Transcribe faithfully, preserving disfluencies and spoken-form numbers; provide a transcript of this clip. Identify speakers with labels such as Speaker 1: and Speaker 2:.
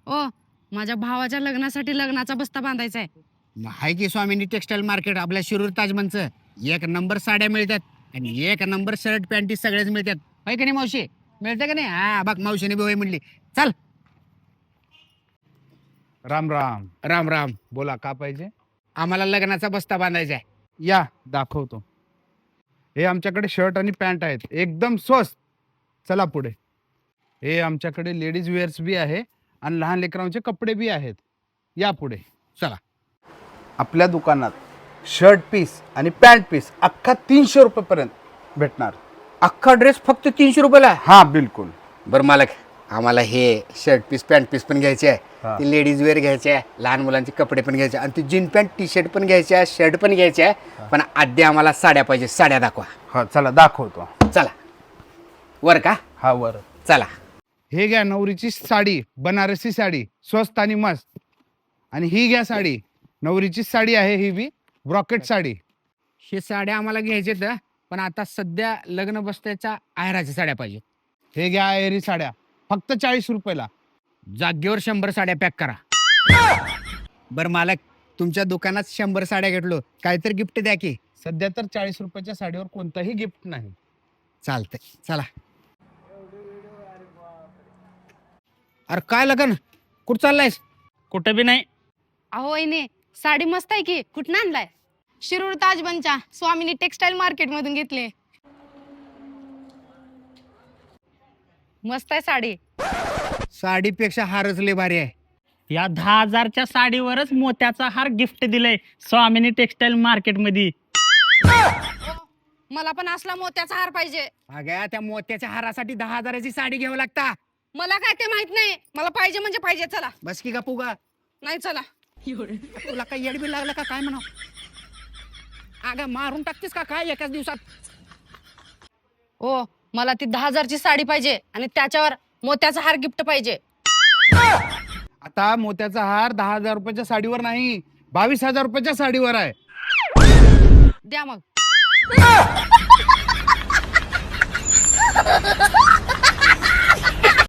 Speaker 1: ओ माझ्या भावाच्या लग्नासाठी लग्नाचा बस्ता बांधायचा आहे.
Speaker 2: हाय की स्वामिनी टेक्सटाईल मार्केट आपल्या शिरूर ताजमनचं. एक नंबर साड्या मिळतात आणि एक नंबर शर्ट पॅन्टी सगळेच मिळतात. हाय की नाही मावशी? मिळतं का नाही? हा बघ मावशीने बी होय म्हणली. चल.
Speaker 3: राम राम.
Speaker 2: राम राम.
Speaker 3: बोला का पाहिजे?
Speaker 2: आम्हाला लग्नाचा बस्ता बांधायचा आहे.
Speaker 3: या दाखवतो. हे आमच्याकडे शर्ट आणि पॅन्ट आहेत एकदम स्वस्त. चला पुढे. हे आमच्याकडे लेडीज वेअर्स बी आहे आणि लहान लेकरांचे कपडे बी आहेत. या पुढे
Speaker 2: चला.
Speaker 3: आपल्या दुकानात शर्ट पीस आणि पॅन्ट पीस अख्खा तीनशे रुपयेपर्यंत भेटणार.
Speaker 2: अख्खा ड्रेस फक्त तीनशे रुपयाला?
Speaker 3: हा बिलकुल.
Speaker 2: बरं मालक, आम्हाला हे शर्ट पीस पॅन्ट पीस पण घ्यायचे आहे,
Speaker 3: हा.
Speaker 2: ते लेडीज वेअर घ्यायचे आहे, लहान मुलांचे कपडे पण घ्यायचे आणि ते जीन पॅन्ट टी शर्ट पण घ्यायचे आहे, शर्ट पण घ्यायचे आहे. पण आधी आम्हाला साड्या पाहिजे. साड्या दाखवा.
Speaker 3: हा चला दाखवतो.
Speaker 2: चला. वर का?
Speaker 3: हा वर.
Speaker 2: चला.
Speaker 3: हे घ्या नवरीची साडी, बनारसी साडी, स्वस्त आणि मस्त. आणि ही घ्या साडी, नवरीची साडी आहे ही बी, ब्रॉकेट साडी.
Speaker 2: हे साड्या आम्हाला घ्यायचे आहेत, पण आता सध्या लग्न बसत्याच्या आहेराच्या साड्या पाहिजे.
Speaker 3: हे घ्या एरी साड्या, फक्त चाळीस रुपयाला.
Speaker 2: जागेवर शंभर साड्या पॅक करा. बरं मालक, तुमच्या दुकानात शंभर साड्या घेतलो, काहीतरी गिफ्ट द्या की.
Speaker 3: सध्या तर चाळीस रुपयाच्या साडीवर कोणताही गिफ्ट नाही.
Speaker 2: चालतंय. चला. अरे काय लगन? कुठं चाललायस?
Speaker 4: कुठं बी नाही.
Speaker 1: अहो वहिनी, साडी मस्त आहे की. कुठं आणलाय? शिरूर ताजबनच्या स्वामिनी टेक्सटाईल मार्केट मधून घेतले. मस्त आहे साडी.
Speaker 2: साडीपेक्षा हारच लय भारी आहे.
Speaker 4: या दहा हजारच्या साडीवरच मोत्याचा हार गिफ्ट दिलाय स्वामिनी टेक्सटाईल मार्केट मध्ये.
Speaker 1: मला पण असला मोत्याचा हार पाहिजे.
Speaker 2: अगं त्या मोत्याच्या हारासाठी दहा हजाराची साडी घ्यावं लागता.
Speaker 1: मला काय ते माहित नाही. मला पाहिजे म्हणजे पाहिजे. चला.
Speaker 2: बस की गपू गा.
Speaker 1: नाही चला.
Speaker 2: तुला काही येडबी लागलं का काय म्हणा? अगं मारून टाकतेस का काय एकाच दिवसात?
Speaker 1: ओ मला ती दहा हजारची साडी पाहिजे आणि त्याच्यावर मोत्याचा हार गिफ्ट पाहिजे.
Speaker 3: आता मोत्याचा हार दहा हजार रुपयाच्या साडीवर नाही, बावीस हजार रुपयाच्या साडीवर आहे.
Speaker 1: द्या मग.